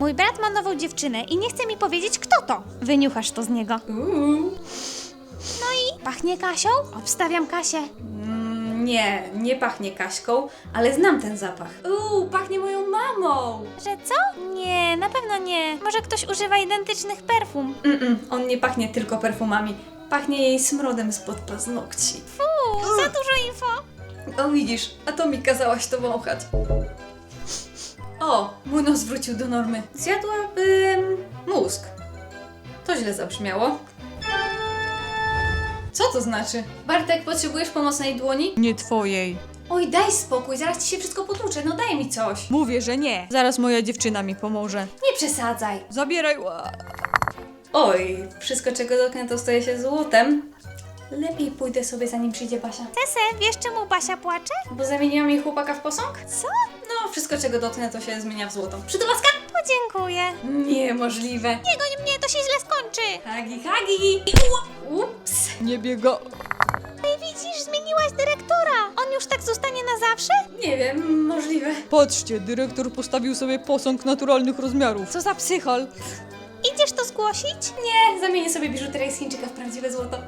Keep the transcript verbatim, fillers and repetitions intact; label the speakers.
Speaker 1: Mój brat ma nową dziewczynę i nie chce mi powiedzieć, kto to. Wyniuchasz to z niego.
Speaker 2: Uuu.
Speaker 1: No i pachnie Kasią? Obstawiam Kasię.
Speaker 2: Mm, nie, nie pachnie Kaśką, ale znam ten zapach. Uuu, pachnie moją mamą.
Speaker 1: Że co? Nie, na pewno nie. Może ktoś używa identycznych perfum.
Speaker 2: Mm-mm, on nie pachnie tylko perfumami. Pachnie jej smrodem spod paznokci.
Speaker 1: Fuu, za dużo info.
Speaker 2: O widzisz, a to mi kazałaś to wąchać. O, mój nos wrócił do normy. Zjadłabym mózg. To źle zabrzmiało. Co to znaczy? Bartek, potrzebujesz pomocnej dłoni?
Speaker 3: Nie twojej.
Speaker 2: Oj, daj spokój, zaraz ci się wszystko potłucze, no daj mi coś.
Speaker 3: Mówię, że nie. Zaraz moja dziewczyna mi pomoże.
Speaker 2: Nie przesadzaj.
Speaker 3: Zabieraj. Ła.
Speaker 2: Oj, wszystko czego dotknę to staje się złotem. Lepiej pójdę sobie zanim przyjdzie Basia.
Speaker 1: Tese, wiesz czemu Basia płacze?
Speaker 2: Bo zamieniłam jej chłopaka w posąg?
Speaker 1: Co?
Speaker 2: No, wszystko czego dotknę to się zmienia w złoto. Przytulaska?
Speaker 1: Podziękuję.
Speaker 2: Niemożliwe.
Speaker 1: Nie goń mnie, to się źle skończy.
Speaker 2: Hagi, hagi! Ups!
Speaker 3: Nie biega.
Speaker 1: Ej, widzisz, zmieniłaś dyrektora. On już tak zostanie na zawsze?
Speaker 2: Nie wiem, możliwe.
Speaker 3: Patrzcie, dyrektor postawił sobie posąg naturalnych rozmiarów. Co za psychol.
Speaker 1: Idziesz to zgłosić?
Speaker 2: Nie, zamienię sobie biżuterię z Chińczyka w prawdziwe złoto.